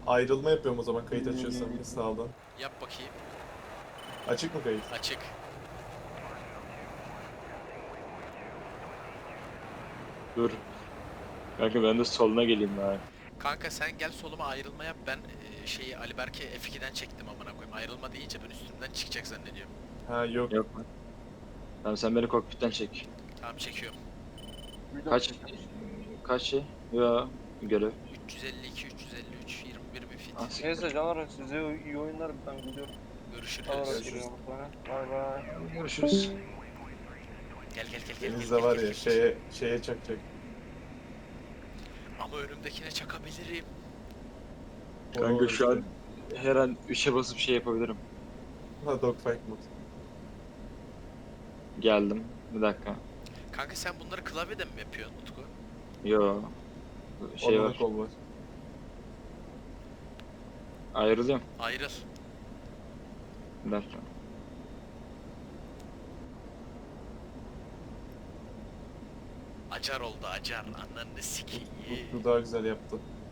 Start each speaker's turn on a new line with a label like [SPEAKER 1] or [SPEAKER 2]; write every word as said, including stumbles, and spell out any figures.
[SPEAKER 1] Ayrılma yapıyorum o zaman kayıt açıyorsam bir sağdan.
[SPEAKER 2] Yap bakayım.
[SPEAKER 1] Açık mı kayıt?
[SPEAKER 2] Açık.
[SPEAKER 3] Dur. Kanka ben de soluna geleyim bari.
[SPEAKER 2] Kanka sen gel soluma ayrılma yap. Ben e, şeyi Ali Berke F iki'den çektim amına koyayım. Ayrılma deyince ben üstümden çıkacak zannediyorum.
[SPEAKER 1] Ha yok.
[SPEAKER 3] Yok mu? Tamam sen beni kokpitten çek.
[SPEAKER 2] Tamam çekiyorum.
[SPEAKER 3] Kaç? Kaç şey? Ya görev.
[SPEAKER 2] üç yüz elli iki, üç yüz elli üç, yirmi bir bir fit.
[SPEAKER 3] Ah, siktir.
[SPEAKER 4] Neyse canlar size iyi oyunlar ben gidiyorum.
[SPEAKER 2] Görüşürüz.
[SPEAKER 4] Sonra
[SPEAKER 1] Görüşürüz.
[SPEAKER 4] görüşürüz. Bay bay.
[SPEAKER 3] Görüşürüz.
[SPEAKER 2] Gel gel gel gel.
[SPEAKER 1] Deniz
[SPEAKER 2] gel,
[SPEAKER 1] de var
[SPEAKER 2] gel,
[SPEAKER 1] ya
[SPEAKER 2] gel.
[SPEAKER 1] şeye şeye çakacak.
[SPEAKER 2] Ama önümdekine çakabilirim.
[SPEAKER 3] Kanka
[SPEAKER 1] Oo,
[SPEAKER 3] şu an
[SPEAKER 1] işte.
[SPEAKER 3] her an üçe basıp şey yapabilirim.
[SPEAKER 1] Ha dogfight mod.
[SPEAKER 3] Geldim. Bir dakika.
[SPEAKER 2] Kanka sen bunları klavyeden mi yapıyorsun Utku?
[SPEAKER 3] Yo. Şey
[SPEAKER 1] Orada
[SPEAKER 3] var.
[SPEAKER 1] da kol var.
[SPEAKER 3] Ayrılıyorum.
[SPEAKER 2] Ayrıl.
[SPEAKER 3] Bir dakika.
[SPEAKER 2] Acar oldu acar. Ananı sikeyim.
[SPEAKER 1] Bu daha güzel yaptı.